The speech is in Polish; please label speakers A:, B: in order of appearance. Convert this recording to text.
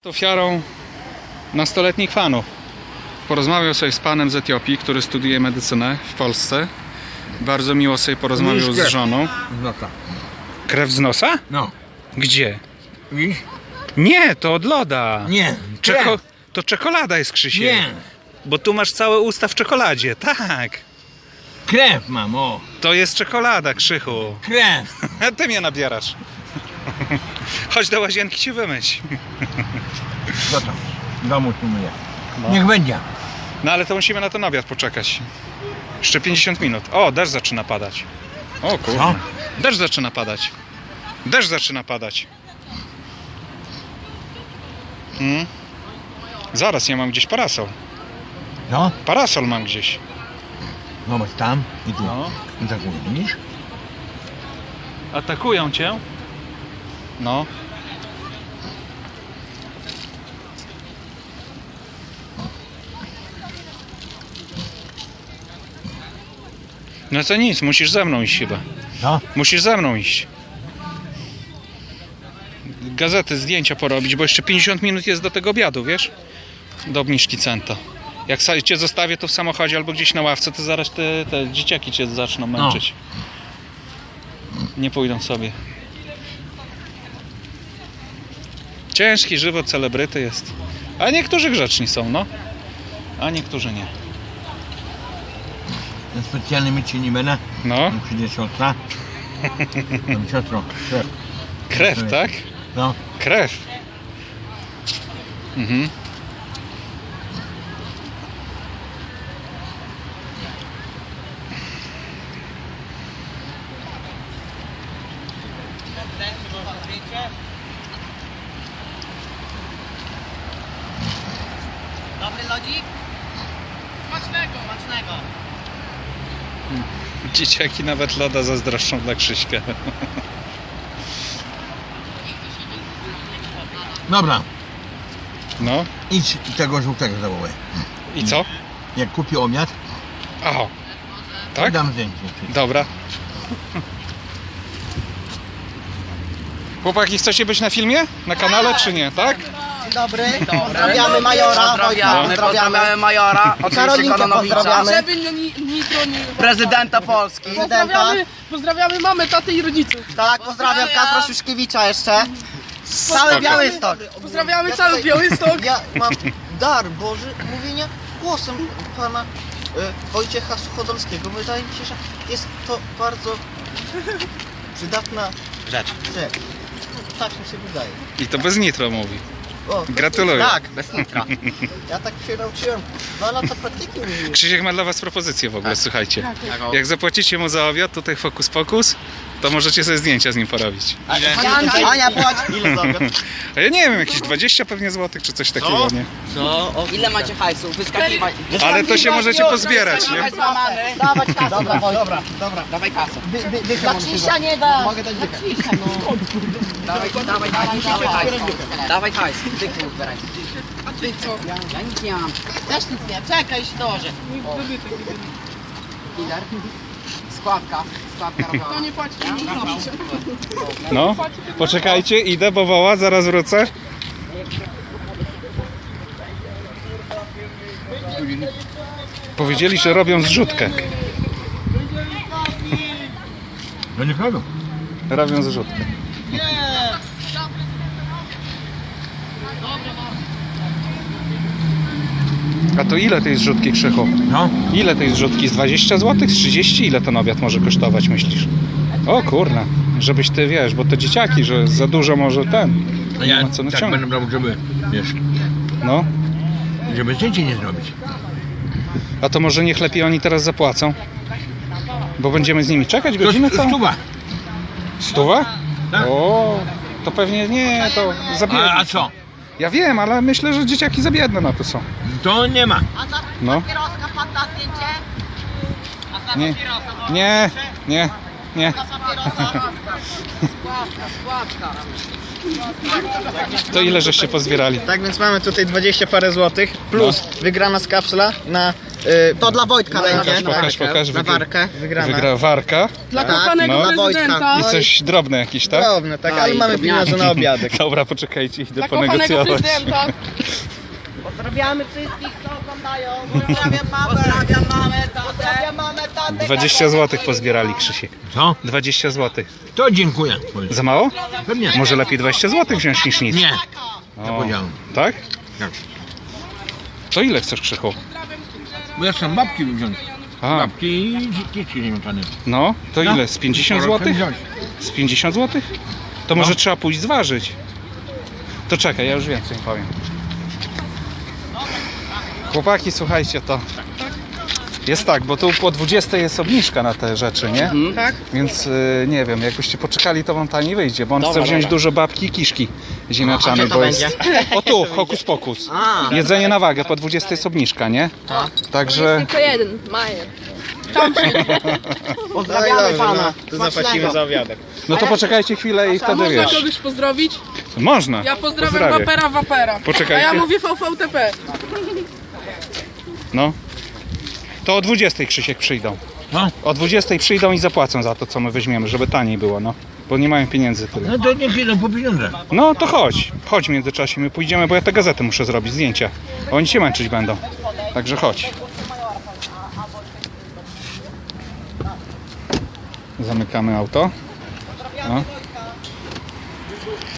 A: Ofiarą nastoletnich fanów. Porozmawiał sobie z panem z Etiopii, który studiuje medycynę w Polsce. Bardzo miło sobie porozmawiał z żoną.
B: Z nosa.
A: Krew z nosa?
B: No.
A: Gdzie?
B: Widzisz?
A: Nie, to od loda.
B: Nie.
A: To czekolada jest, Krzysiek.
B: Nie.
A: Bo tu masz całe usta w czekoladzie. Tak.
B: Krew mam, o.
A: To jest czekolada, Krzychu.
B: Krew.
A: A ty mnie nabierasz. Chodź do łazienki się wymyć.
B: Co tam? W domu tu myję.
A: No.
B: Niech będzie.
A: No ale to musimy na ten obiad poczekać. Jeszcze 50 minut. O, deszcz zaczyna padać. O kurde.
B: Co?
A: Deszcz zaczyna padać. Deszcz zaczyna padać. Zaraz, ja mam gdzieś parasol.
B: No.
A: Parasol mam gdzieś.
B: Zobacz tam i tu.
A: No.
B: I tak widzisz?
A: Atakują cię? No. No to nic, musisz ze mną iść chyba.
B: No.
A: Musisz ze mną iść. Gazety, zdjęcia porobić, bo jeszcze 50 minut jest do tego obiadu, wiesz? Do obniżki centa. Jak cię zostawię to w samochodzie albo gdzieś na ławce, to zaraz te dzieciaki cię zaczną męczyć. Nie pójdą sobie. Ciężki żywot celebryty jest. A niektórzy grzeczni są, no. A niektórzy nie.
B: Ja specjalnie myć się nie będę.
A: No.
B: Przyjdzie siostra. Tam siostro. Krew.
A: Krew, tak?
B: No.
A: Krew. Mhm.
C: Dobry lodzik? Smacznego, smacznego.
A: Dzieciaki nawet loda zazdroszczą dla Krzyśka.
B: Dobra.
A: No.
B: Idź tego żółtego zawołaj.
A: I co?
B: Jak kupi obiad,
A: Aha. Tak?
B: dam zdjęcie.
A: Dobra. Chłopaki, chcecie być na filmie? Na kanale czy nie, tak?
C: Dzień dobry, pozdrawiamy majora, pozdrawiamy
D: majora, oczywiście
C: Karolinkę
D: Kononowicza,
C: pozdrawiamy.
E: Żeby nitro nie...
D: prezydenta Polski.
E: Pozdrawiamy mamę, tatę i rodziców.
C: Tak, pozdrawiam Kacpra Szuszkiewicza jeszcze. Cały Białystok.
E: Pozdrawiamy cały Białystok.
C: Ja mam dar Boży mówienia głosem pana Wojciecha Suchodolskiego. Wydaje mi się, że jest to bardzo przydatna
D: Rzecz.
C: rzecz. Tak mi się wydaje.
A: I to bez nitro mówi.
C: O,
A: Gratuluję.
C: tak,
D: Bez nitra.
C: ja tak się nauczyłem. 2 lata praktyki mówiłem.
A: Krzysiek ma dla was propozycję w ogóle, słuchajcie. Jak zapłacicie mu za obiad, tutaj Fokus Pokus, to możecie sobie zdjęcia z nim porobić.
C: Ania, płać. Ile za obiad?
A: A ja nie wiem, jakieś 20 pewnie złotych czy coś takiego, nie?
D: Ile macie hajsu? Wyskakiwać.
A: Ale to się możecie pozbierać, nie?
C: Dawać kasę. Dobra.
D: Dawaj kasę.
C: Dla Krzysia nie da.
D: Mogę dać dychę. Dawaj hajs. Dawaj hajs. Dychę uzbieraj.
E: A ty co?
D: Ja nic nie mam.
C: Też nic nie, czekaj, się dołożę.
D: Lider. Składka robiona.
E: To nie płaci.
A: No, poczekajcie, idę, bo woła, zaraz wrócę. Powiedzieli, że robią zrzutkę.
B: No nie robią.
A: Robią zrzutkę. A to ile tej zrzutki, Krzychu?
B: No.
A: Ile tej zrzutki? Z 20 zł? Z 30? Ile ten obiad może kosztować, myślisz? O kurna, żebyś ty wiesz, bo to dzieciaki, że za dużo może ten.
B: A ja
A: Nie ma co
B: tak
A: naciągać.
B: będę brał, żeby, wiesz,
A: No,
B: żeby zdjęcie nie zrobić.
A: a to może niech lepiej oni teraz zapłacą? Bo będziemy z nimi czekać godzinę całą?
B: Stuwa.
A: Stuwa?
B: Tak.
A: O, to pewnie nie, to za biedne.
B: A co?
A: Ja wiem, ale myślę, że dzieciaki za biedne na to są.
B: To nie ma.
A: No.
C: Papieroska pan da zdjęcie?
A: Nie, nie, nie, nie.
D: Składka.
A: To ile żeście pozbierali?
C: Tak więc mamy tutaj 20 parę złotych plus wygrana z kapsla na To dla Wojtka będzie.
A: Pokaż.
C: Na warkę wygrana.
A: Wygra Warka
E: Dla
C: Tak,
E: kochanego
A: no.
E: prezydenta.
A: i coś drobne jakieś, tak?
C: Drobne, tak, ale mamy pieniądze na obiadek.
A: Dobra, poczekajcie, idę
E: Dla kochanego
A: ponegocjować.
E: prezydenta.
C: Pozdrawiamy wszystkich, co oglądają. Pozdrawiam mamę, pozdrawiam mamę, tatę.
A: 20 zł pozbierali, Krzysiek.
B: Co?
A: 20 zł.
B: To dziękuję.
A: Za mało?
B: Pewnie.
A: Może lepiej 20 zł wziąć niż nic.
B: Nie.
A: O,
B: powiedziałem.
A: tak?
B: Tak.
A: To ile chcesz, Krzychu?
B: Bo ja chcę babki wziąć.
A: A,
B: Babki i dzieci niemięczane.
A: no, to
B: No.
A: ile? Z 50 zł? Z 50 zł? To może trzeba pójść zważyć. To czekaj, ja już więcej powiem. Chłopaki, słuchajcie, to jest tak, bo tu po 20 jest obniżka na te rzeczy, nie?
E: Tak.
A: Więc nie wiem, jakbyście poczekali, to wam taniej wyjdzie, bo on chce wziąć dużo babki i kiszki ziemniaczane,
C: gdzie to
A: bo jest... O tu, hokus pokus.
C: A.
A: Jedzenie na wagę, po 20 jest obniżka, nie? Także...
E: Tylko jeden, Majer.
C: Pozdrawiamy pana. To zapłacimy za obiadek.
A: No to poczekajcie chwilę i wtedy
E: Można
A: wiesz.
E: kogoś pozdrowić?
A: Można.
E: Ja pozdrawiam
A: Pozdrawiam.
E: Wapera.
A: Poczekajcie.
E: A ja mówię VVTP.
A: No. To o 20 Krzysiek przyjdą.
B: No.
A: O 20 przyjdą i zapłacą za to, co my weźmiemy, żeby taniej było, no. Bo nie mają pieniędzy tyle.
B: No to niech idą po pieniądze.
A: No to chodź. Chodź w międzyczasie, my pójdziemy, bo ja te gazety muszę zrobić, zdjęcia. Oni się męczyć będą. Także chodź. Zamykamy auto. No.